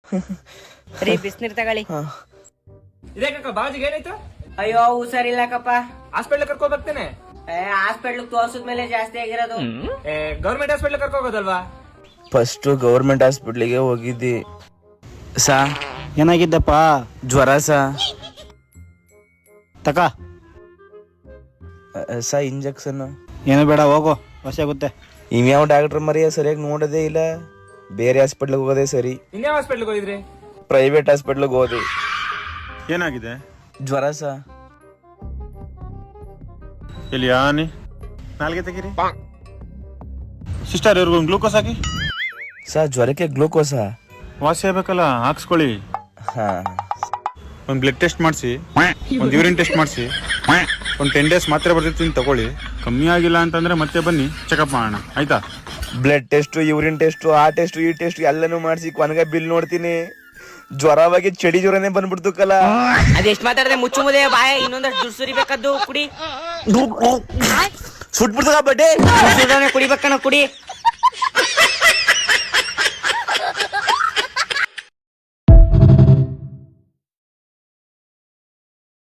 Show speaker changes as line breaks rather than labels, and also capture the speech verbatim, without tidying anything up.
ರೀ ಬಿಸ್ನೀರ್ ತಗೊಳ್ಳಿ.
ಇದೇಕಕ್ಕ ಬಾಜಿಗೆ ಏನಾಯ್ತು?
ಅಯ್ಯೋ ಹುಷಾರಿಲ್ಲಕಪ್ಪ,
ಹಾಸ್ಪಿಟ್ಲ್ ಕರ್ಕೊ ಬರ್ತೇನೆ.
ಹಾಸ್ಪಿಟ್ಲ್ ತೋರ್ಸಿದ್ಮೇಲೆ ಜಾಸ್ತಿ ಆಗಿರೋದು.
ಗೌರ್ಮೆಂಟ್ ಹಾಸ್ಪಿಟ್ಲ್ ಕರ್ಕೊ ಹೋಗೋದಲ್ವಾ?
ಫಸ್ಟ್ ಗೌರ್ಮೆಂಟ್ ಹಾಸ್ಪಿಟ್ಲಿಗೆ ಹೋಗಿದ್ದಿ ಸಾ.
ಏನಾಗಿದ್ದಪ್ಪ?
ಜ್ವರ ಸಾ.
ತಕ
ಸಾ ಇಂಜೆಕ್ಷನ್
ಏನು ಬೇಡ, ಹೋಗು, ಹೊಸ ಆಗುತ್ತೆ.
ಇನ್ಯಾವ ಡಾಕ್ಟರ್ ಮರಿಯ ಸರಿಯಾಗಿ ನೋಡೋದೇ ಇಲ್ಲ. ಬೇರೆ ಹಾಸ್ಪಿಟ್ಲಿಗೆ ಹೋಗೋದೇ ಸರಿ.
ಇನ್ಯಾವ ಹಾಸ್ಪಿಟ್ಲ್ಗೆ ಹೋಗಿದ್ರಿ?
ಪ್ರೈವೇಟ್ ಹಾಸ್ಪಿಟ್ಲಿಗೆ ಹೋದಿ.
ಏನಾಗಿದೆ?
ಜ್ವರ ಸಾ.
ಇಲ್ಲಿ ಆನಿ ನಾಲ್ಗೆ ತೆಗೀರಿ. ಸಿಸ್ಟರ್ ಇವ್ರಿಗೊಂದು ಗ್ಲೂಕೋಸ್ ಹಾಕಿ.
ಸಾ ಜ್ವರಕ್ಕೆ ಗ್ಲೂಕೋಸಾ?
ವಾಸಿ ಆಗ್ಬೇಕಲ್ಲ, ಹಾಕ್ಸ್ಕೊಳ್ಳಿ.
ಹಾ.
ಒಂದು ಬ್ಲಡ್ ಟೆಸ್ಟ್ ಮಾಡಿಸಿ, ಒಂದು ಯೂರಿನ್ ಟೆಸ್ಟ್ ಮಾಡಿಸಿ, ಒಂದು ಟೆನ್ ಡೇಸ್ ಮಾತ್ರೆ ಬರ್ತಿರ್ತೀನಿ ತಗೊಳ್ಳಿ. ಕಮ್ಮಿ ಆಗಿಲ್ಲ ಅಂತಂದ್ರೆ ಮತ್ತೆ ಬನ್ನಿ ಚೆಕಪ್ ಮಾಡೋಣ, ಆಯ್ತಾ?
ಬ್ಲಡ್ ಟೆಸ್ಟ್, ಯೂರಿನ್ ಟೆಸ್ಟ್, ಆ ಟೆಸ್ಟ್ ಈ ಟೆಸ್ಟ್ ಎಲ್ಲನೂ ಮಾಡಿಸಿ ಕೊನೆಗೆ ಬಿಲ್ ನೋಡ್ತೀನಿ. ಜ್ವರವಾಗಿ ಚಳಿ ಜ್ವರನೇ ಬಂದ್ಬಿಡ್ತು ಕಲ.
ಅದೆಷ್ಟ್ ಮಾತಾಡದೆ ಮುಚ್ಚು ಮುದೆ ಬಾಯ, ಇನ್ನೊಂದಷ್ಟು ದುಡ್ಡು ಸುರಿಬೇಕದ್ದು ಕುಡಿ.
ಸುಟ್ಬಿಡ್ತಕ ಬಡ್ಡೆ
ಕುಡಿಬೇಕನ್ನ ಕುಡಿ.